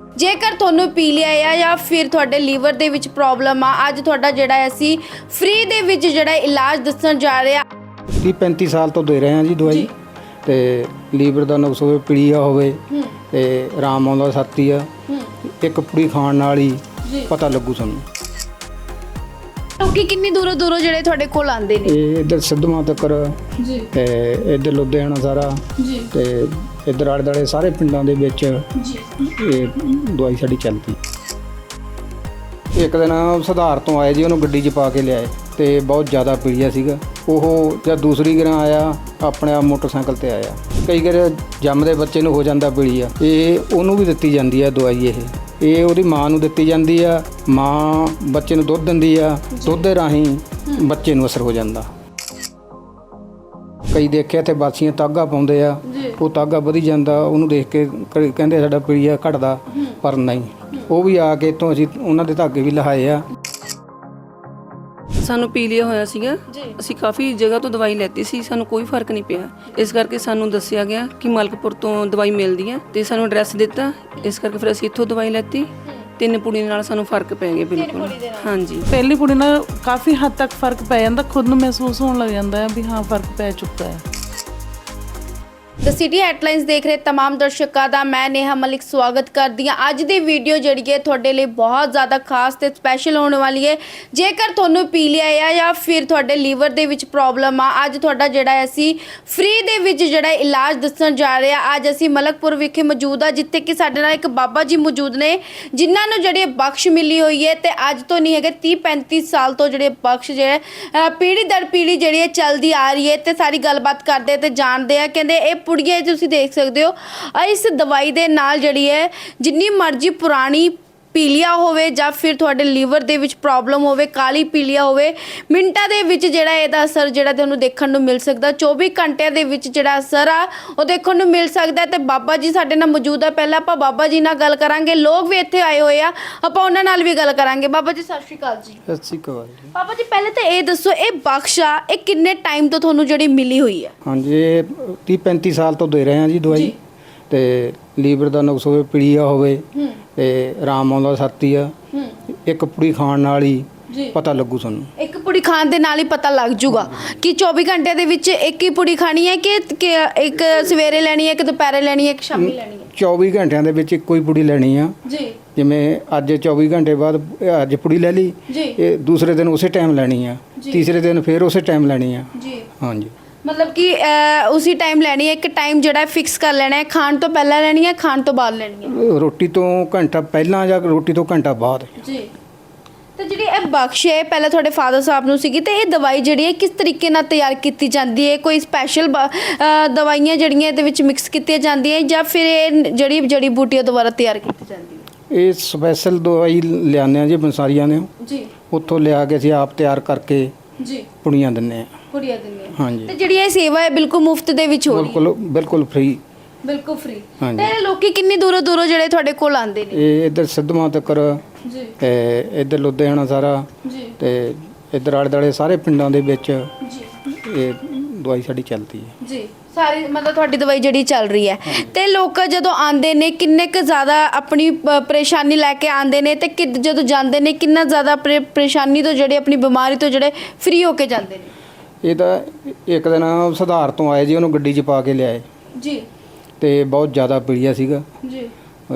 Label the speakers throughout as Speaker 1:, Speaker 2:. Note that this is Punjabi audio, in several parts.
Speaker 1: ਜੇਕਰ ਤੁਹਾਨੂੰ ਪੀਲੀਆ ਆ ਜਾਂ ਫਿਰ ਤੁਹਾਡੇ ਲੀਵਰ ਦੇ ਵਿੱਚ ਪ੍ਰੋਬਲਮ ਆ, ਅੱਜ ਤੁਹਾਡਾ ਜਿਹੜਾ ਅਸੀਂ ਫ੍ਰੀ ਦੇ ਵਿੱਚ ਜਿਹੜਾ ਇਲਾਜ ਦੱਸਣ ਜਾ ਰਹੇ ਆ।
Speaker 2: 30-35 ਸਾਲ ਤੋਂ ਦੇ ਰਹੇ ਹਾਂ ਜੀ ਦਵਾਈ ਤੇ ਲੀਵਰ ਦਾ ਨੁਕਸ ਹੋਵੇ, ਪੀਲੀਆ ਹੋਵੇ ਤੇ ਆਰਾਮ ਆਉਂਦਾ ਸਾਥੀ ਆ। ਇੱਕ ਪੁੜੀ ਖਾਣ ਨਾਲ ਹੀ ਪਤਾ ਲੱਗੂ ਸਾਨੂੰ।
Speaker 1: ਲੋਕੀ ਕਿੰਨੀ ਦੂਰੋਂ ਦੂਰੋਂ ਜਿਹੜੇ ਤੁਹਾਡੇ ਕੋਲ ਆਉਂਦੇ ਨੇ?
Speaker 2: ਇਹ ਇੱਧਰ ਸਿੱਧਵਾਂ ਤੱਕ
Speaker 1: ਜੀ
Speaker 2: ਤੇ ਇੱਧਰ ਲੁਧਿਆਣਾ ਸਾਰਾ
Speaker 1: ਜੀ
Speaker 2: ਤੇ ਇੱਧਰ ਆਲੇ ਦੁਆਲੇ ਸਾਰੇ ਪਿੰਡਾਂ ਦੇ ਵਿੱਚ
Speaker 1: ਜੀ
Speaker 2: ਇਹ ਦਵਾਈ ਸਾਡੀ ਚੱਲਦੀ। ਇੱਕ ਦਿਨ ਸੁਧਾਰ ਤੋਂ ਆਏ ਜੀ, ਉਹਨੂੰ ਗੱਡੀ 'ਚ ਪਾ ਕੇ ਲਿਆਏ ਤੇ ਬਹੁਤ ਜ਼ਿਆਦਾ ਪੀਲੀਆ ਸੀਗਾ। ਉਹ ਜਦ ਦੂਸਰੀ ਗਰਾਂ ਆਇਆ ਆਪਣੇ ਆਪ ਮੋਟਰਸਾਈਕਲ ਤੇ ਆਇਆ। ਕਈ ਵਾਰ ਜੰਮਦੇ ਬੱਚੇ ਨੂੰ ਹੋ ਜਾਂਦਾ ਪੀਲੀਆ, ਇਹ ਉਹਨੂੰ ਵੀ ਦਿੱਤੀ ਜਾਂਦੀ ਹੈ ਦਵਾਈ। ਇਹ ਉਹਦੀ ਮਾਂ ਨੂੰ ਦਿੱਤੀ ਜਾਂਦੀ ਆ। ਮਾਂ ਬੱਚੇ ਨੂੰ ਦੁੱਧ ਦਿੰਦੀ ਆ, ਦੁੱਧ ਦੇ ਰਾਹੀਂ ਬੱਚੇ ਨੂੰ ਅਸਰ ਹੋ ਜਾਂਦਾ। ਕਈ ਦੇਖਿਆ ਇੱਥੇ ਬਾਸੀਆਂ ਤਾਗਾ ਪਾਉਂਦੇ ਆ, ਉਹ ਤਾਗਾ ਵਧੀ ਜਾਂਦਾ, ਉਹਨੂੰ ਦੇਖ ਕੇ ਕਹਿੰਦੇ ਸਾਡਾ ਪੀਲੀਆ ਘਟਦਾ, ਪਰ ਨਹੀਂ। ਉਹ ਵੀ ਆ ਕੇ ਇੱਥੋਂ ਅਸੀਂ ਉਹਨਾਂ ਦੇ ਧਾਗੇ ਵੀ ਲਹਾਏ ਆ।
Speaker 3: ਸਾਨੂੰ ਪੀਲੀਆ ਹੋਇਆ ਸੀਗਾ, ਅਸੀਂ ਕਾਫੀ ਜਗ੍ਹਾ ਤੋਂ ਦਵਾਈ ਲੈਤੀ ਸੀ, ਸਾਨੂੰ ਕੋਈ ਫਰਕ ਨਹੀਂ ਪਿਆ। ਇਸ ਕਰਕੇ ਸਾਨੂੰ ਦੱਸਿਆ ਗਿਆ ਕਿ ਮਲਕਪੁਰ ਤੋਂ ਦਵਾਈ ਮਿਲਦੀ ਹੈ ਤੇ ਸਾਨੂੰ ਐਡਰੈਸ ਦਿੱਤਾ। ਇਸ ਕਰਕੇ ਫਿਰ ਅਸੀਂ ਇੱਥੋਂ ਦਵਾਈ ਲੈਤੀ। 3 ਪੁੜੀ ਨਾਲ ਸਾਨੂੰ ਫਰਕ ਪੈ ਗਿਆ ਬਿਲਕੁਲ। ਹਾਂਜੀ,
Speaker 4: ਪਹਿਲੀ ਪੁੜੀ ਨਾਲ ਕਾਫੀ ਹੱਦ ਤੱਕ ਫਰਕ ਪੈ ਜਾਂਦਾ, ਖੁਦ ਨੂੰ ਮਹਿਸੂਸ ਹੋਣ ਲੱਗ ਜਾਂਦਾ ਹੈ ਵੀ ਹਾਂ ਫਰਕ ਪੈ ਚੁੱਕਾ ਹੈ।
Speaker 1: ਦ ਸਿਟੀ ਹੈਡਲਾਈਨਸ ਦੇਖ ਰਹੇ तमाम ਦਰਸ਼ਕਾਂ ਦਾ ਮੈਂ ਨੇਹਾ ਮਲਿਕ ਸਵਾਗਤ ਕਰਦੀ ਹਾਂ। ਅੱਜ ਦੀ ਵੀਡੀਓ ਜਿਹੜੀ ਹੈ ਤੁਹਾਡੇ ਲਈ ਬਹੁਤ ਜ਼ਿਆਦਾ ਖਾਸ ਤੇ ਸਪੈਸ਼ਲ ਹੋਣ ਵਾਲੀ ਹੈ। ਜੇਕਰ ਤੁਹਾਨੂੰ ਪੀਲੀਆ ਆ ਜਾਂ ਫਿਰ ਤੁਹਾਡੇ ਲੀਵਰ ਦੇ ਵਿੱਚ ਪ੍ਰੋਬਲਮ ਆ, ਅੱਜ ਤੁਹਾਡਾ ਜਿਹੜਾ ਅਸੀਂ ਫ੍ਰੀ ਦੇ ਵਿੱਚ ਜਿਹੜਾ ਇਲਾਜ ਦੱਸਣ ਜਾ ਰਹੇ ਆ। ਅੱਜ ਅਸੀਂ ਮਲਕਪੁਰ ਵਿਖੇ ਮੌਜੂਦ ਆ, ਜਿੱਥੇ ਕਿ ਸਾਡੇ ਨਾਲ ਇੱਕ ਬਾਬਾ ਜੀ ਮੌਜੂਦ ਨੇ ਜਿਨ੍ਹਾਂ ਨੂੰ ਜਿਹੜੀ ਬਖਸ਼ ਮਿਲੀ ਹੋਈ ਹੈ ਤੇ ਅੱਜ ਤੋਂ ਨਹੀਂ ਹੈਗੇ 30-35 ਸਾਲ ਤੋਂ ਜਿਹੜੇ ਬਖਸ਼ ਜਿਹੜੇ ਪੀੜ੍ਹੀ ਦਰ ਪੀੜ੍ਹੀ ਜਿਹੜੀ ਹੈ ਚੱਲਦੀ ਆ ਰਹੀ ਹੈ। ਤੇ ਸਾਰੀ ਗੱਲਬਾਤ ਕਰਦੇ ਤੇ ਜਾਣਦੇ ਆ। ਕਹਿੰਦੇ ਇਹ ਪੁੜੀਏ ਤੁਸੀਂ ਦੇਖ ਸਕਦੇ ਹੋ, ਇਸ ਦਵਾਈ ਦੇ ਨਾਲ ਜਿਹੜੀ ਹੈ ਜਿੰਨੀ ਮਰਜ਼ੀ ਪੁਰਾਣੀ ਪੀਲੀਆ ਹੋਵੇ ਜਾਂ ਫਿਰ ਤੁਹਾਡੇ ਲੀਵਰ ਦੇ ਵਿੱਚ ਪ੍ਰੋਬਲਮ ਹੋਵੇ, ਕਾਲੀ ਪੀਲੀਆ ਹੋਵੇ, ਮਿੰਟਾਂ ਦੇ ਵਿੱਚ ਜਿਹੜਾ ਇਹਦਾ ਅਸਰ ਜਿਹੜਾ ਤੁਹਾਨੂੰ ਦੇਖਣ ਨੂੰ ਮਿਲ ਸਕਦਾ। 24 ਘੰਟਿਆਂ ਦੇ ਵਿੱਚ ਜਿਹੜਾ ਅਸਰ ਆ ਉਹ ਦੇਖਣ ਨੂੰ ਮਿਲ ਸਕਦਾ। ਤੇ ਬਾਬਾ ਜੀ ਸਾਡੇ ਨਾਲ ਮੌਜੂਦ ਆ। ਪਹਿਲਾਂ ਆਪਾਂ ਬਾਬਾ ਜੀ ਨਾਲ ਗੱਲ ਕਰਾਂਗੇ। ਲੋਕ ਵੀ ਇੱਥੇ ਆਏ ਹੋਏ ਆ, ਆਪਾਂ ਉਹਨਾਂ ਨਾਲ ਵੀ ਗੱਲ ਕਰਾਂਗੇ। ਬਾਬਾ ਜੀ ਸਤਿ ਸ਼੍ਰੀ ਅਕਾਲ ਜੀ।
Speaker 2: ਸਤਿ ਸ਼੍ਰੀ ਅਕਾਲ ਜੀ।
Speaker 1: ਬਾਬਾ ਜੀ ਪਹਿਲੇ ਤਾਂ ਇਹ ਦੱਸੋ, ਇਹ ਬਖਸ਼ ਆ ਇਹ ਕਿੰਨੇ ਟਾਈਮ ਤੋਂ ਤੁਹਾਨੂੰ ਜਿਹੜੀ ਮਿਲੀ ਹੋਈ ਹੈ?
Speaker 2: ਹਾਂਜੀ, ਇਹ 30-35 ਸਾਲ ਤੋਂ ਦੇ ਰਹੇ ਹਾਂ ਜੀ ਦਵਾਈ ਤੇ ਲੀਵਰ ਦਾ ਨੁਕਸ ਹੋਵੇ, ਪੀਲੀਆ ਹੋਵੇ ਤੇ ਆਰਾਮ ਆਉਂਦਾ ਸਾਥੀ ਆ। ਇੱਕ ਪੁੜੀ ਖਾਣ ਨਾਲ ਹੀ ਪਤਾ ਲੱਗੂ ਸਾਨੂੰ। ਇੱਕ ਪੁੜੀ ਖਾਣ ਦੇ ਨਾਲ ਹੀ ਪਤਾ ਲੱਗ ਜੂਗਾ ਕਿ 24 ਘੰਟੇ ਦੇ ਵਿੱਚ ਇੱਕ ਹੀ ਪੁੜੀ ਖਾਣੀ ਹੈ ਕਿ ਇੱਕ ਸਵੇਰੇ ਲੈਣੀ ਹੈ, ਇੱਕ ਦੁਪਹਿਰੇ ਲੈਣੀ ਹੈ, ਇੱਕ ਸ਼ਾਮੀ ਲੈਣੀ ਹੈ? 24 ਘੰਟਿਆਂ ਦੇ ਵਿੱਚ ਇੱਕੋ ਹੀ ਪੁੜੀ ਲੈਣੀ ਆ
Speaker 1: ਜੀ।
Speaker 2: ਜਿਵੇਂ ਅੱਜ 24 ਘੰਟੇ ਬਾਅਦ ਅੱਜ ਪੁੜੀ ਲੈ ਲਈ, ਇਹ ਦੂਸਰੇ ਦਿਨ ਉਸੇ ਟਾਈਮ ਲੈਣੀ ਆ, ਤੀਸਰੇ ਦਿਨ ਫਿਰ ਉਸੇ ਟਾਈਮ ਲੈਣੀ ਆ ਜੀ। ਹਾਂਜੀ, ਮਤਲਬ
Speaker 1: ਕਿ ਉਸੇ ਟਾਈਮ ਲੈਣੀ ਹੈ। ਇੱਕ ਟਾਈਮ ਜਿਹੜਾ ਫਿਕਸ ਕਰ ਲੈਣਾ ਹੈ, ਖਾਣ ਤੋਂ ਪਹਿਲਾਂ ਲੈਣੀ ਹੈ, ਖਾਣ ਤੋਂ ਬਾਅਦ ਲੈਣੀ ਹੈ?
Speaker 2: ਰੋਟੀ ਤੋਂ ਘੰਟਾ ਪਹਿਲਾਂ ਜਾਂ ਰੋਟੀ ਤੋਂ ਘੰਟਾ ਬਾਅਦ ਜੀ।
Speaker 1: ਤੇ ਜਿਹੜੀ ਇਹ ਬਖਸ਼ ਹੈ ਪਹਿਲਾਂ ਤੁਹਾਡੇ ਫਾਦਰ ਸਾਹਿਬ ਨੂੰ ਸੀਗੀ, ਤੇ ਇਹ ਦਵਾਈ ਜਿਹੜੀ ਹੈ ਕਿਸ ਤਰੀਕੇ ਨਾਲ ਤਿਆਰ ਕੀਤੀ ਜਾਂਦੀ ਹੈ? ਕੋਈ ਸਪੈਸ਼ਲ ਦਵਾਈਆਂ ਜਿਹੜੀਆਂ ਇਹਦੇ ਵਿੱਚ ਮਿਕਸ ਕੀਤੀਆਂ ਜਾਂਦੀਆਂ ਜਾਂ ਫਿਰ ਇਹ ਜਿਹੜੀ ਜੜੀ ਬੂਟੀਆਂ ਦੁਆਰਾ ਤਿਆਰ ਕੀਤੀ ਜਾਂਦੀ ਹੈ?
Speaker 2: ਇਹ ਸਪੈਸ਼ਲ ਦਵਾਈ ਲਿਆਉਂਦੇ ਆ ਜੀ ਬੰਸਾਰੀਆਂ ਨੇ ਜੀ, ਉੱਥੋਂ ਲਿਆ ਕੇ ਅਸੀਂ ਆਪ ਤਿਆਰ ਕਰਕੇ ਜੀ ਪੁੜੀਆਂ ਦਿੰਦੇ ਆ। ਪੁੜੀਆਂ ਦਿੰਦੇ ਆ, ਹਾਂਜੀ।
Speaker 1: ਤੇ ਜਿਹੜੀ ਇਹ ਸੇਵਾ ਹੈ ਬਿਲਕੁਲ ਮੁਫਤ ਦੇ ਵਿੱਚ ਹੋ ਰਹੀ ਹੈ?
Speaker 2: ਬਿਲਕੁਲ ਫ੍ਰੀ।
Speaker 1: ਬਿਲਕੁਲ ਫ੍ਰੀ। ਤੇ ਲੋਕੀ ਕਿੰਨੀ ਦੂਰੋਂ ਦੂਰੋਂ ਜਿਹੜੇ ਤੁਹਾਡੇ ਕੋਲ ਆਉਂਦੇ ਨੇ?
Speaker 2: ਇਹ ਇੱਧਰ ਸਿੱਧਵਾਂ ਤੱਕ ਜੀ ਤੇ ਇੱਧਰ ਲੁਧਿਆਣਾ ਸਾਰਾ ਜੀ ਤੇ ਇੱਧਰ ਆਲੇ ਦੁਆਲੇ ਸਾਰੇ ਪਿੰਡਾਂ ਦੇ ਵਿੱਚ ਜੀ ਇਹ ਦਵਾਈ ਸਾਡੀ ਚੱਲਦੀ ਹੈ ਜੀ।
Speaker 1: ਸਾਰੀ ਮਤਲਬ ਤੁਹਾਡੀ ਦਵਾਈ ਜਿਹੜੀ ਚੱਲ ਰਹੀ ਹੈ। ਤੇ ਲੋਕ ਜਦੋਂ ਆਉਂਦੇ ਨੇ ਕਿੰਨੇ ਕੁ ਜ਼ਿਆਦਾ ਆਪਣੀ ਪਰੇਸ਼ਾਨੀ ਲੈ ਕੇ ਆਉਂਦੇ ਨੇ ਤੇ ਜਦੋਂ ਜਾਂਦੇ ਨੇ ਕਿੰਨਾ ਜ਼ਿਆਦਾ ਪਰੇਸ਼ਾਨੀ ਤੋਂ ਜਿਹੜੇ ਆਪਣੀ ਬਿਮਾਰੀ ਤੋਂ ਜਿਹੜੇ ਫ੍ਰੀ ਹੋ ਕੇ ਜਾਂਦੇ ਨੇ?
Speaker 2: ਇਹ ਤਾਂ ਇੱਕ ਦਿਨ ਸੁਧਾਰ ਤੋਂ ਆਏ ਜੀ, ਉਹਨੂੰ ਗੱਡੀ 'ਚ ਪਾ ਕੇ ਲਿਆਏ ਜੀ ਤੇ ਬਹੁਤ ਜ਼ਿਆਦਾ ਪੀਲੀਆ ਸੀਗਾ ਜੀ।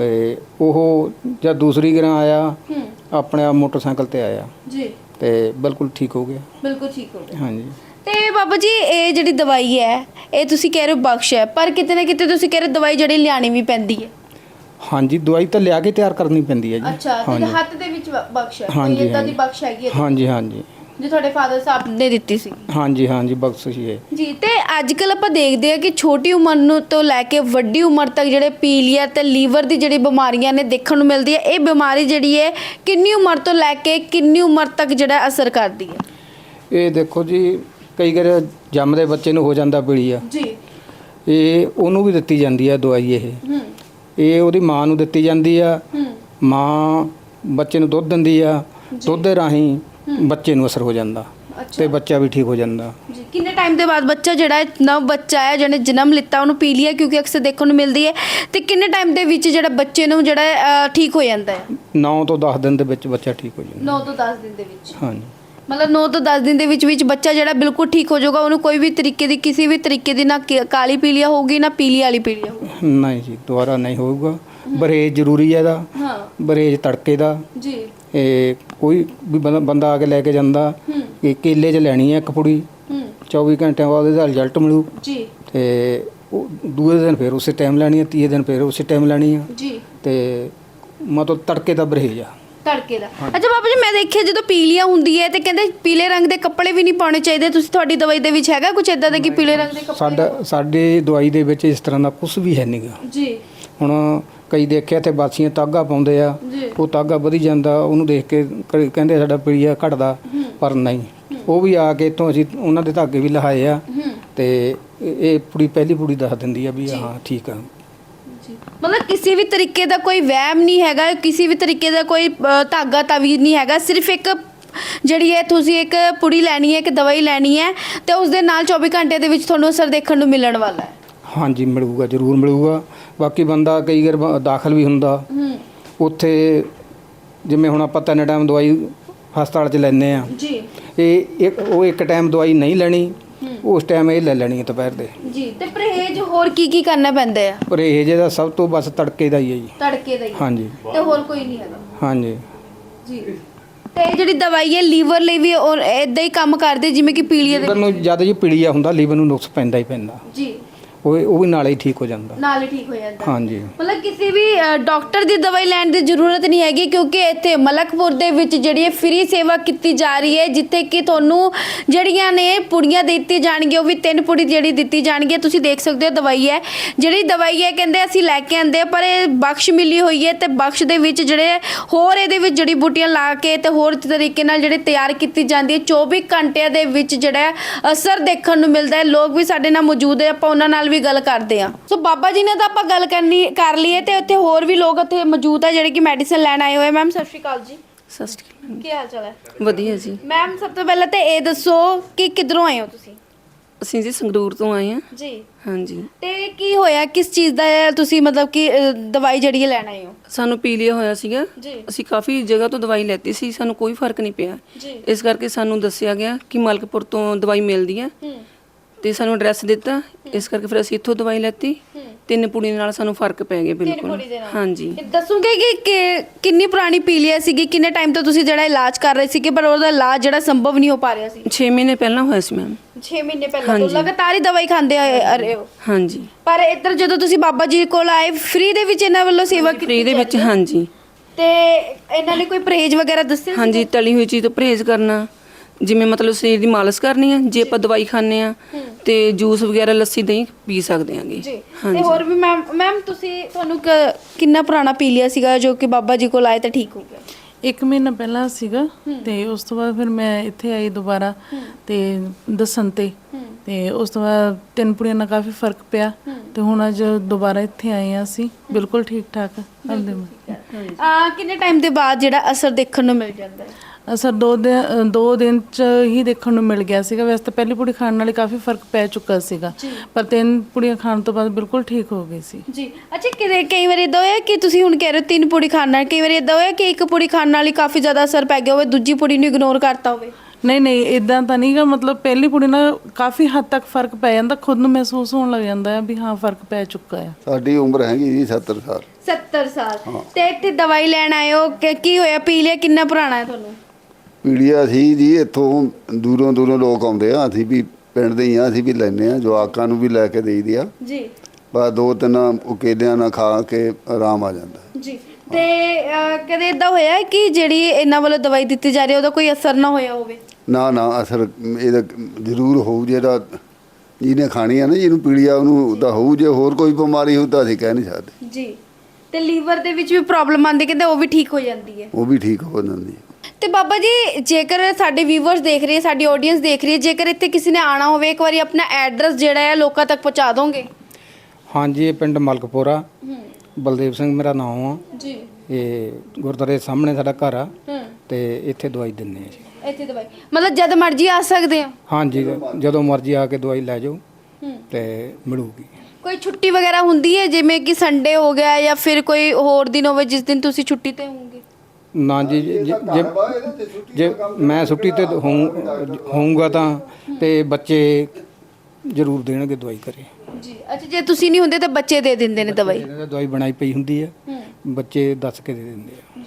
Speaker 2: ਉਹ ਜਦ ਦੂਸਰੀ ਗਰਾਂ ਆਇਆ ਆਪਣੇ ਆਪ ਮੋਟਰਸਾਈਕਲ ਤੇ ਆਇਆ ਜੀ ਤੇ ਬਿਲਕੁਲ ਠੀਕ ਹੋ ਗਿਆ। ਬਿਲਕੁਲ ਠੀਕ ਹੋ ਗਿਆ, ਹਾਂਜੀ।
Speaker 1: ਤੇ ਬਾਬਾ ਜੀ ਇਹ ਜਿਹੜੀ ਦਵਾਈ ਹੈ ਇਹ ਤੁਸੀਂ ਕਹਿ ਰਹੇ ਹੋ ਬਖਸ਼ ਹੈ, ਪਰ ਕਿਤੇ ਨਾ ਕਿਤੇ ਤੁਸੀਂ ਕਹਿ ਰਹੇ ਦਵਾਈ ਜਿਹੜੀ ਲਿਆਣੀ ਵੀ ਪੈਂਦੀ ਹੈ?
Speaker 2: ਹਾਂਜੀ, ਦਵਾਈ ਤਾਂ ਲਿਆ ਕੇ ਤਿਆਰ ਕਰਨੀ ਪੈਂਦੀ ਹੈ ਜੀ।
Speaker 1: ਅੱਛਾ, ਤੇ ਹੱਥ ਦੇ ਵਿੱਚ ਬਖਸ਼ ਹੈ? ਕੋਈ ਇਦਾਂ ਦੀ ਬਖਸ਼ ਹੈਗੀ ਹੈ?
Speaker 2: ਹਾਂਜੀ ਹਾਂਜੀ,
Speaker 1: ਜੋ ਤੁਹਾਡੇ ਫਾਦਰ ਸਾਹਿਬ ਨੇ ਦਿੱਤੀ ਸੀ?
Speaker 2: ਹਾਂਜੀ ਹਾਂਜੀ, ਬਖਸ਼ਿਸ਼ ਹੈ ਜੀ।
Speaker 1: ਤੇ ਅੱਜ ਕੱਲ ਆਪਾਂ ਦੇਖਦੇ ਆ ਕਿ ਛੋਟੀ ਉਮਰ ਨੂੰ ਤੋਂ ਲੈ ਕੇ ਵੱਡੀ ਉਮਰ ਤੱਕ ਜਿਹੜੇ ਪੀਲੀਆ ਤੇ ਲੀਵਰ ਦੀ ਜਿਹੜੀ ਬਿਮਾਰੀਆਂ ਨੇ ਦੇਖਣ ਨੂੰ ਮਿਲਦੀ ਹੈ। ਇਹ ਬਿਮਾਰੀ ਜਿਹੜੀ ਹੈ ਕਿੰਨੀ ਉਮਰ ਤੋਂ ਲੈ ਕੇ ਕਿੰਨੀ ਉਮਰ ਤੱਕ ਜਿਹੜਾ ਅਸਰ ਕਰਦੀ ਹੈ?
Speaker 2: ਇਹ ਦੇਖੋ ਜੀ, ਕਈ ਵਾਰ ਜੰਮਦੇ ਬੱਚੇ ਨੂੰ ਹੋ ਜਾਂਦਾ ਪੀਲੀਆ ਜੀ, ਇਹ ਉਹਨੂੰ ਵੀ ਦਿੱਤੀ ਜਾਂਦੀ ਹੈ ਦਵਾਈ। ਇਹ ਉਹਦੀ ਮਾਂ ਨੂੰ ਦਿੱਤੀ ਜਾਂਦੀ ਆ। ਮਾਂ ਬੱਚੇ ਨੂੰ ਦੁੱਧ ਦਿੰਦੀ ਆ, ਦੁੱਧ ਦੇ ਰਾਹੀਂ ਬੱਚੇ ਨੂੰ ਅਸਰ ਹੋ ਜਾਂਦਾ ਤੇ ਬੱਚਾ ਵੀ ਠੀਕ ਹੋ ਜਾਂਦਾ।
Speaker 1: ਜੀ ਕਿੰਨੇ ਟਾਈਮ ਦੇ ਬਾਅਦ ਬੱਚਾ ਜਿਹੜਾ ਹੈ ਨਵ ਬੱਚਾ ਹੈ ਜਿਹਨੇ ਜਨਮ ਲਿੱਤਾ ਉਹਨੂੰ ਪੀਲੀਆ ਕਿਉਂਕਿ ਅਕਸਰ ਦੇਖਣ ਨੂੰ ਮਿਲਦੀ ਹੈ ਤੇ ਕਿੰਨੇ ਟਾਈਮ ਦੇ ਵਿੱਚ ਜਿਹੜਾ ਬੱਚੇ ਨੂੰ ਜਿਹੜਾ ਠੀਕ ਹੋ ਜਾਂਦਾ ਹੈ?
Speaker 2: 9 ਤੋਂ 10 ਦਿਨ ਦੇ ਵਿੱਚ ਬੱਚਾ ਠੀਕ ਹੋ ਜਾਂਦਾ।
Speaker 1: 9 ਤੋਂ 10 ਦਿਨ ਦੇ ਵਿੱਚ
Speaker 2: ਹਾਂਜੀ,
Speaker 1: ਮਤਲਬ 9 ਤੋਂ 10 ਦਿਨ ਦੇ ਵਿੱਚ ਬੱਚਾ ਜਿਹੜਾ ਬਿਲਕੁਲ ਠੀਕ ਹੋ ਜਾਊਗਾ, ਉਹਨੂੰ ਕੋਈ ਵੀ ਤਰੀਕੇ ਦੀ ਕਿਸੇ ਵੀ ਤਰੀਕੇ ਦੀ ਨਾ ਕਾਲੀ ਪੀਲੀਆ ਹੋਊਗੀ ਨਾ ਪੀਲੀ ਵਾਲੀ ਪੀਲੀਆ ਹੋਊਗੀ।
Speaker 2: ਨਹੀਂ ਜੀ ਦੁਬਾਰਾ ਨਹੀਂ ਹੋਊਗਾ। ਬਰੇਜ ਜ਼ਰੂਰੀ ਹੈ ਇਹਦਾ।
Speaker 1: ਹਾਂ
Speaker 2: ਬਰੇਜ ਤੜਕੇ ਦਾ।
Speaker 1: ਜੀ
Speaker 2: ਇਹ ਕੋਈ ਵੀ ਬੰਦਾ ਆ ਕੇ ਲੈ ਕੇ ਜਾਂਦਾ, ਇਹ ਕੇਲੇ 'ਚ ਲੈਣੀ ਹੈ ਇੱਕ ਪੁੜੀ। 24 ਘੰਟਿਆਂ ਬਾਅਦ ਇਹਦਾ ਰਿਜ਼ਲਟ ਮਿਲੂ
Speaker 1: ਜੀ
Speaker 2: ਤੇ ਉਹ ਦੂਏ ਦਿਨ ਫਿਰ ਉਸੇ ਟਾਈਮ ਲੈਣੀ ਹੈ, ਤੀਏ ਦਿਨ ਫਿਰ ਉਸੇ ਟਾਈਮ ਲੈਣੀ ਹੈ
Speaker 1: ਜੀ
Speaker 2: ਤੇ ਮਤਲਬ ਤੜਕੇ ਦਾ ਬਰੇਜ ਆ।
Speaker 1: ਤੜਕੇ ਦਾ। ਅੱਛਾ ਬਾਬਾ ਜੀ, ਮੈਂ ਦੇਖਿਆ ਜਦੋਂ ਪੀਲੀਆ ਹੁੰਦੀ ਹੈ ਤੇ ਕਹਿੰਦੇ ਪੀਲੇ ਰੰਗ ਦੇ ਕੱਪੜੇ ਵੀ ਨਹੀਂ ਪਾਉਣੇ ਚਾਹੀਦੇ, ਤੁਸੀਂ ਤੁਹਾਡੀ ਦਵਾਈ ਦੇ ਵਿੱਚ ਹੈਗਾ ਕੁਝ ਇਦਾਂ ਦਾ ਕਿ ਪੀਲੇ ਰੰਗ ਦੇ ਕੱਪੜੇ?
Speaker 2: ਸਾਡੇ ਦਵਾਈ ਦੇ ਵਿੱਚ ਇਸ ਤਰ੍ਹਾਂ ਦਾ ਕੁਝ ਵੀ ਹੈ ਨਹੀਂਗਾ।
Speaker 1: ਜੀ
Speaker 2: ਹੁਣ ਕਈ ਦੇਖਿਆ ਤੇ ਬਾਸੀਆਂ ਤਾਗਾ ਪਾਉਂਦੇ ਆ, ਉਹ ਤਾਗਾ ਵਧੀ ਜਾਂਦਾ, ਉਹਨੂੰ ਦੇਖ ਕੇ ਕਹਿੰਦੇ ਸਾਡਾ ਪੀਲੀਆ ਘਟਦਾ, ਪਰ ਨਹੀਂ। ਉਹ ਵੀ ਆ ਕੇ ਇੱਥੋਂ ਅਸੀਂ ਉਹਨਾਂ ਦੇ ਧਾਗੇ ਵੀ ਲਹਾਏ ਆ ਤੇ ਇਹ ਪੁੜੀ ਪਹਿਲੀ ਪੁੜੀ ਦੱਸ ਦਿੰਦੀ ਆ ਵੀ ਹਾਂ ਠੀਕ ਆ।
Speaker 1: ਮਤਲਬ ਕਿਸੇ ਵੀ ਤਰੀਕੇ ਦਾ ਕੋਈ ਵਹਿਮ ਨਹੀਂ ਹੈਗਾ, ਕਿਸੇ ਵੀ ਤਰੀਕੇ ਦਾ ਕੋਈ ਧਾਗਾ ਤਾਵੀਜ਼ ਨਹੀਂ ਹੈਗਾ, ਸਿਰਫ ਇੱਕ ਜਿਹੜੀ ਹੈ ਤੁਸੀਂ ਇੱਕ ਪੁੜੀ ਲੈਣੀ ਹੈ, ਇੱਕ ਦਵਾਈ ਲੈਣੀ ਹੈ ਤੇ ਉਸ ਦੇ ਨਾਲ 24 ਘੰਟੇ ਦੇ ਵਿੱਚ ਤੁਹਾਨੂੰ ਅਸਰ ਦੇਖਣ ਨੂੰ ਮਿਲਣ ਵਾਲਾ ਹੈ।
Speaker 2: ਹਾਂਜੀ ਮਿਲੂਗਾ, ਜ਼ਰੂਰ ਮਿਲੂਗਾ। ਬਾਕੀ ਬੰਦਾ ਕਈ ਵਾਰ ਦਾਖਲ ਵੀ ਹੁੰਦਾ ਉੱਥੇ, ਜਿਵੇਂ ਹੁਣ ਆਪਾਂ 3 ਟਾਈਮ ਦਵਾਈ ਹਸਪਤਾਲ 'ਚ ਲੈਂਦੇ ਆ
Speaker 1: ਜੀ।
Speaker 2: ਇਹ ਇੱਕ ਟਾਈਮ ਦਵਾਈ ਨਹੀਂ ਲੈਣੀ, ਉਸ ਟਾਈਮ ਇਹ ਲੈ ਲੈਣੀ ਹੈ ਦੁਪਹਿਰ ਦੇ।
Speaker 1: ਜੀ ਤੇ ਪਰਹੇਜ਼ ਹੋਰ ਕੀ ਕਰਨਾ ਪੈਂਦਾ ਹੈ?
Speaker 2: ਪਰਹੇਜ਼ ਦਾ ਸਭ ਤੋਂ ਬਸ ਤੜਕੇ ਦਾ ਹੀ ਹੈ ਜੀ।
Speaker 1: ਤੜਕੇ ਦਾ ਹੀ?
Speaker 2: ਹਾਂਜੀ
Speaker 1: ਤੇ ਹੋਰ ਕੋਈ ਨਹੀਂ ਹੈਗਾ?
Speaker 2: ਹਾਂਜੀ
Speaker 1: ਜੀ। ਤੇ ਇਹ ਜਿਹੜੀ ਦਵਾਈ ਹੈ ਲੀਵਰ ਲਈ ਵੀ ਇਦਾਂ ਹੀ ਕੰਮ ਕਰਦੇ ਜਿਵੇਂ ਕਿ ਪੀਲੀਏ ਦੇ
Speaker 2: ਲੀਵਰ ਨੂੰ ਜਦ ਜੀ ਪੀਲੀਆ ਹੁੰਦਾ ਲੀਵਰ ਨੂੰ ਨੁਕਸ ਪੈਂਦਾ ਹੀ ਪੈਂਦਾ,
Speaker 1: ਜੀ,
Speaker 2: ਉਹ ਵੀ ਨਾਲੇ ਹੀ ਠੀਕ ਹੋ ਜਾਂਦਾ।
Speaker 1: ਨਾਲ ਹੀ ਠੀਕ ਹੋ ਜਾਂਦਾ।
Speaker 2: ਹਾਂਜੀ
Speaker 1: ਮਤਲਬ ਕਿਸੇ ਵੀ ਡਾਕਟਰ ਦੀ ਦਵਾਈ ਲੈਣ ਦੀ ਜ਼ਰੂਰਤ ਨਹੀਂ ਹੈਗੀ ਕਿਉਂਕਿ ਇੱਥੇ ਮਲਕਪੁਰ ਦੇ ਵਿੱਚ ਜਿਹੜੀ ਹੈ ਫ੍ਰੀ ਸੇਵਾ ਕੀਤੀ ਜਾ ਰਹੀ ਹੈ, ਜਿੱਥੇ ਕਿ ਤੁਹਾਨੂੰ ਜਿਹੜੀਆਂ ਨੇ ਪੁੜੀਆਂ ਦਿੱਤੀ ਜਾਣਗੀਆਂ, ਉਹ ਵੀ 3 ਪੁੜੀ ਜਿਹੜੀ ਦਿੱਤੀ ਜਾਣਗੀ। ਤੁਸੀਂ ਦੇਖ ਸਕਦੇ ਹੋ ਦਵਾਈ ਹੈ, ਜਿਹੜੀ ਦਵਾਈ ਹੈ ਕਹਿੰਦੇ ਅਸੀਂ ਲੈ ਕੇ ਆਂਦੇ ਪਰ ਇਹ ਬਖਸ਼ ਮਿਲੀ ਹੋਈ ਹੈ ਤੇ ਬਖਸ਼ ਦੇ ਵਿੱਚ ਜਿਹੜੇ ਹੋਰ ਇਹਦੇ ਵਿੱਚ ਜੜੀ ਬੂਟੀਆਂ ਲਾ ਕੇ ਤੇ ਹੋਰ ਤਰੀਕੇ ਨਾਲ ਜਿਹੜੇ ਤਿਆਰ ਕੀਤੀ ਜਾਂਦੀ ਹੈ। 24 ਘੰਟਿਆਂ ਦੇ ਵਿੱਚ ਜਿਹੜਾ ਅਸਰ ਦੇਖਣ ਨੂੰ ਮਿਲਦਾ ਹੈ। ਲੋਕ ਵੀ ਸਾਡੇ ਨਾਲ ਮੌਜੂਦ ਹੈ, ਆਪਾਂ ਉਹਨਾਂ ਨਾਲ ਵੀ ਗੱਲ ਕਰਦੇ ਆ। ਸੋ ਬਾਬਾ ਜੀ ਨੇ ਤਾਂ ਆਪਾਂ ਗੱਲ ਕਰ ਲਈਏ ਤੇ ਉੱਥੇ ਹੋਰ ਵੀ ਲੋਕ ਉੱਥੇ ਮੌਜੂਦ ਆ ਜਿਹੜੇ ਕਿ ਮੈਡੀਸਨ ਲੈਣ ਆਏ ਹੋਏ। ਮੈਮ ਸਤਿ ਸ਼੍ਰੀ ਅਕਾਲ ਜੀ।
Speaker 3: ਸਤਿ ਸ਼੍ਰੀ ਅਕਾਲ।
Speaker 1: ਕੀ ਹਾਲ ਚਾਲ ਹੈ?
Speaker 3: ਵਧੀਆ ਜੀ।
Speaker 1: ਮੈਮ ਸਭ ਤੋਂ ਪਹਿਲਾਂ ਤੇ ਇਹ ਦੱਸੋ ਕਿ ਕਿੱਧਰੋਂ ਆਏ ਹੋ ਤੁਸੀਂ?
Speaker 3: ਅਸੀਂ ਜੀ ਸੰਗਰੂਰ ਤੋਂ ਆਏ ਹਾਂ
Speaker 1: ਜੀ।
Speaker 3: ਹਾਂਜੀ।
Speaker 1: ਤੇ ਕੀ ਹੋਇਆ, ਕਿਸ ਚੀਜ਼ ਦਾ ਤੁਸੀਂ ਮਤਲਬ ਕਿ ਦਵਾਈ ਜਿਹੜੀ ਹੈ ਲੈਣ ਆਏ ਹੋ?
Speaker 3: ਸਾਨੂੰ ਪੀਲੀਆ ਹੋਇਆ ਸੀਗਾ,
Speaker 1: ਜੀ।
Speaker 3: ਅਸੀਂ ਕਾਫੀ ਜਗ੍ਹਾ ਤੋਂ ਦਵਾਈ ਲੈਤੀ ਸੀ, ਸਾਨੂੰ ਕੋਈ ਫਰਕ ਨਹੀਂ ਪਿਆ।
Speaker 1: ਜੀ।
Speaker 3: ਇਸ ਕਰਕੇ ਸਾਨੂੰ ਦੱਸਿਆ ਗਿਆ ਕਿ ਮਲਕਪੁਰ ਤੋਂ ਦਵਾਈ ਮਿਲਦੀ ਹੈ ਤੇ ਸਾਨੂੰ ਐਡਰੈਸ ਦਿੱਤਾ, ਇਸ ਕਰਕੇ ਫਿਰ ਅਸੀਂ ਇੱਥੋਂ ਦਵਾਈ ਲੈਤੀ। 3 ਪੁੜੀ ਨਾਲ ਸਾਨੂੰ ਫਰਕ ਪੈ ਗਿਆ ਬਿਲਕੁਲ। ਹਾਂਜੀ।
Speaker 1: ਦੱਸੋਗੇ ਕਿ ਕਿੰਨੀ ਪੁਰਾਣੀ ਪੀਲੀਆ ਸੀਗੀ, ਕਿੰਨੇ ਟਾਈਮ ਤੋਂ ਤੁਸੀਂ ਜਿਹੜਾ ਇਲਾਜ ਕਰ ਰਹੇ ਸੀਗੇ ਪਰ ਉਹਦਾ ਇਲਾਜ ਜਿਹੜਾ ਸੰਭਵ ਨਹੀਂ ਹੋ ਪਾ ਰਿਹਾ ਸੀ?
Speaker 3: 6 ਮਹੀਨੇ ਪਹਿਲਾਂ ਹੋਇਆ ਸੀ ਮੈਮ।
Speaker 1: 6 ਮਹੀਨੇ ਪਹਿਲਾਂ ਤੋਂ ਲਗਾਤਾਰ ਹੀ ਦਵਾਈ ਖਾਂਦੇ ਆ ਰਹੇ ਹੋ?
Speaker 3: ਹਾਂਜੀ।
Speaker 1: ਪਰ ਇੱਧਰ ਜਦੋਂ ਤੁਸੀਂ ਬਾਬਾ ਜੀ ਕੋਲ ਆਏ ਫ੍ਰੀ ਦੇ ਵਿੱਚ ਇਹਨਾਂ ਵੱਲੋਂ ਸੇਵਾ ਕੀਤੀ
Speaker 3: ਫ੍ਰੀ ਦੇ ਵਿੱਚ? ਹਾਂਜੀ।
Speaker 1: ਤੇ ਇਹਨਾਂ ਨੇ ਕੋਈ ਪਰਹੇਜ਼ ਵਗੈਰਾ ਦੱਸਿਆ?
Speaker 3: ਹਾਂਜੀ, ਤਲੀ ਹੋਈ ਚੀਜ਼ ਤੋਂ ਪਰਹੇਜ਼ ਕਰਨਾ, ਜਿਵੇਂ ਮਤਲਬ ਸਰੀਰ ਦੀ ਮਾਲਿਸ਼ ਕਰਨੀ ਹੈ। ਜੇ ਆਪਾਂ ਦਵਾਈ ਖਾਂਦੇ ਆ ਤੇ ਜੂਸ ਵਗੈਰਾ ਲੱਸੀ ਦਹੀਂ ਪੀ ਸਕਦੇ ਆਂਗੇ।
Speaker 1: ਜੀ। ਤੇ ਹੋਰ ਵੀ ਮੈਮ ਤੁਹਾਨੂੰ ਕਿੰਨਾ ਪੁਰਾਣਾ ਪੀਲੀਆ ਸੀਗਾ ਜੋ ਕਿ ਬਾਬਾ ਜੀ ਕੋਲ ਆਏ ਤਾਂ ਠੀਕ ਹੋ ਗਿਆ?
Speaker 4: 1 ਮਹੀਨਾ ਪਹਿਲਾਂ ਸੀਗਾ ਤੇ ਉਸ ਤੋਂ ਬਾਅਦ ਫਿਰ ਮੈਂ ਇੱਥੇ ਆਈ ਦੁਬਾਰਾ ਤੇ ਦੱਸਣ ਤੇ ਉਸ ਤੋਂ ਬਾਅਦ 3 ਪੁੜੀਆਂ ਨਾਲ ਕਾਫੀ ਫਰਕ ਪਿਆ ਤੇ ਹੁਣ ਅੱਜ ਦੁਬਾਰਾ ਇੱਥੇ ਆਏ ਆ ਅਸੀਂ ਬਿਲਕੁਲ ਠੀਕ ਠਾਕ।
Speaker 1: ਕਿੰਨੇ ਟਾਈਮ ਦੇ ਬਾਅਦ ਜਿਹੜਾ ਅਸਰ ਦੇਖਣ ਨੂੰ ਮਿਲ ਜਾਂਦਾ ਹੈ?
Speaker 4: ਅਸਰ 2 ਦਿਨ ਚ ਹੀ ਦੇਖਣ ਨੂੰ ਮਿਲ ਗਿਆ ਸੀਗਾ। ਵੈਸੇ ਤਾਂ ਪਹਿਲੀ ਪੁੜੀ ਖਾਣ ਨਾਲ ਹੀ ਕਾਫੀ ਫਰਕ ਪੈ ਚੁੱਕਾ ਸੀਗਾ, ਪਰ 3 ਪੁੜੀਆਂ ਖਾਣ ਤੋਂ ਬਾਅਦ ਬਿਲਕੁਲ ਠੀਕ ਹੋ ਗਈ ਸੀ।
Speaker 1: ਜੀ। ਅੱਛਾ, ਕਈ ਵਾਰੀ ਇਦਾਂ ਹੋਇਆ ਕਿ ਤੁਸੀਂ ਹੁਣ ਕਹਿ ਰਹੇ ਹੋ 3 ਪੁੜੀ ਖਾਣ ਨਾਲ, ਕਈ ਵਾਰੀ ਇਦਾਂ ਹੋਇਆ ਕਿ 1 ਪੁੜੀ ਖਾਣ ਨਾਲ ਹੀ ਕਾਫੀ ਜ਼ਿਆਦਾ ਅਸਰ ਪੈ ਗਿਆ ਹੋਵੇ, ਦੂਜੀ ਪੁੜੀ ਨੂੰ ਇਗਨੋਰ ਕਰਤਾ ਹੋਵੇ?
Speaker 4: ਨਹੀਂ ਇਦਾਂ ਤਾਂ ਨਹੀਂਗਾ, ਮਤਲਬ ਪਹਿਲੀ ਪੁੜੀ ਨਾਲ ਕਾਫੀ ਹੱਦ ਤੱਕ ਫਰਕ ਪੈ ਜਾਂਦਾ, ਖੁਦ ਨੂੰ ਮਹਿਸੂਸ ਹੋਣ ਲੱਗ ਜਾਂਦਾ ਹੈ ਵੀ ਹਾਂ ਫਰਕ ਪੈ ਚੁੱਕਾ ਹੈ।
Speaker 5: ਸਾਡੀ ਉਮਰ ਹੈਗੀ ਜੀ 70 ਸਾਲ।
Speaker 1: 70 ਸਾਲ। ਤੇ ਇੱਥੇ ਦਵਾਈ ਲੈਣ ਆਏ ਹੋ, ਕੀ ਹੋਇਆ? ਪੀਲੀਆ ਕਿੰਨਾ ਪੁਰਾਣਾ ਹੈ ਤੁਹਾਨੂੰ?
Speaker 5: ਪੀੜੀਆ ਸੀ ਜੀ, ਇੱਥੋਂ ਦੂਰੋਂ ਲੋਕ ਆਉਂਦੇ ਆ, ਅਸੀਂ ਵੀ ਪਿੰਡ ਦੇ ਹੀ ਆ, ਅਸੀਂ ਵੀ ਲੈਂਦੇ ਆ, ਜਵਾਕਾਂ ਨੂੰ ਵੀ ਲੈ ਕੇ ਦੇਈਦੀ ਆ
Speaker 1: ਜੀ।
Speaker 5: ਬਸ 2-3 ਕੇਲਿਆਂ ਨਾਲ ਖਾ ਕੇ ਆਰਾਮ ਆ ਜਾਂਦਾ ਜੀ।
Speaker 1: ਤੇ ਕਦੇ ਇਦਾਂ ਹੋਇਆ ਕਿ ਜਿਹੜੀ ਇਹਨਾਂ ਵੱਲੋਂ ਦਵਾਈ ਦਿੱਤੀ ਜਾ ਰਹੀ ਹੈ ਉਹਦਾ ਕੋਈ ਅਸਰ ਨਾ ਹੋਇਆ ਹੋਵੇ?
Speaker 5: ਨਾ ਅਸਰ ਇਹਦਾ ਜ਼ਰੂਰ ਹੋਊ, ਜਿਹੜਾ ਜਿਹਨੇ ਖਾਣੀ ਆ ਨਾ, ਜਿਹਨੂੰ ਪੀੜੀਆ ਉਹਨੂੰ ਤਾਂ ਹੋਊ, ਜੇ ਹੋਰ ਕੋਈ ਬਿਮਾਰੀ ਹੋਊ ਤਾਂ ਅਸੀਂ ਕਹਿ ਨਹੀਂ ਸਕਦੇ
Speaker 1: ਜੀ। ਤੇ ਲੀਵਰ ਦੇ ਵਿੱਚ ਵੀ ਪ੍ਰੋਬਲਮ ਆਉਂਦੀ, ਕਹਿੰਦੇ ਉਹ ਵੀ ਠੀਕ ਹੋ ਜਾਂਦੀ ਹੈ?
Speaker 5: ਉਹ ਵੀ ਠੀਕ ਹੋ ਜਾਂਦੀ ਹੈ।
Speaker 1: ਤੇ ਬਾਬਾ ਜੀ, ਜੇਕਰ ਸਾਡੇ ਵੀਵਰਸ ਦੇਖ ਰਹੇ, ਸਾਡੀ ਆਡੀਅנס ਦੇਖ ਰਹੀ ਹੈ, ਜੇਕਰ ਇੱਥੇ ਕਿਸੇ ਨੇ ਆਣਾ ਹੋਵੇ, ਇੱਕ ਵਾਰੀ ਆਪਣਾ ਐਡਰੈਸ ਜਿਹੜਾ ਹੈ ਲੋਕਾਂ ਤੱਕ ਪਹੁੰਚਾ ਦੋਗੇ?
Speaker 2: ਹਾਂਜੀ, ਇਹ ਪਿੰਡ ਮਲਕਪੁਰਾ, ਬਲਦੇਵ ਸਿੰਘ ਮੇਰਾ ਨਾਮ ਆ ਜੀ। ਇਹ ਗੁਰਦੁਆਰੇ ਸਾਹਮਣੇ ਸਾਡਾ ਘਰ ਆ ਤੇ ਇੱਥੇ ਦਵਾਈ ਦਿੰਦੇ ਆ ਜੀ।
Speaker 1: ਇੱਥੇ ਦਵਾਈ ਮਤਲਬ ਜਦ ਮਰਜ਼ੀ ਆ ਸਕਦੇ ਹੋ?
Speaker 2: ਹਾਂਜੀ ਜਦੋਂ ਮਰਜ਼ੀ ਆ ਕੇ ਦਵਾਈ ਲੈ ਜਾਓ ਤੇ ਮਿਲੂਗੀ।
Speaker 1: ਕੋਈ ਛੁੱਟੀ ਵਗੈਰਾ ਹੁੰਦੀ ਹੈ ਜਿਵੇਂ ਕਿ ਸੰਡੇ ਹੋ ਗਿਆ ਜਾਂ ਫਿਰ ਕੋਈ ਹੋਰ ਦਿਨ ਹੋਵੇ ਜਿਸ ਦਿਨ ਤੁਸੀਂ ਛੁੱਟੀ ਤੇ ਹੋਵੋਗੇ?
Speaker 2: ਨਾ ਜੀ ਜੇ ਮੈਂ ਛੁੱਟੀ ਤੇ ਹੋਊਂਗਾ ਤਾਂ ਤੇ ਬੱਚੇ ਜ਼ਰੂਰ ਦੇਣਗੇ ਦਵਾਈ ਘਰੇ।
Speaker 1: ਜੀ ਅੱਛਾ, ਜੇ ਤੁਸੀਂ ਨਹੀਂ ਹੁੰਦੇ ਤਾਂ ਬੱਚੇ ਦੇ ਦਿੰਦੇ ਨੇ ਦਵਾਈ?
Speaker 2: ਦਵਾਈ ਬਣਾਈ ਪਈ ਹੁੰਦੀ ਹੈ, ਬੱਚੇ ਦੱਸ ਕੇ ਦੇ ਦਿੰਦੇ ਆ।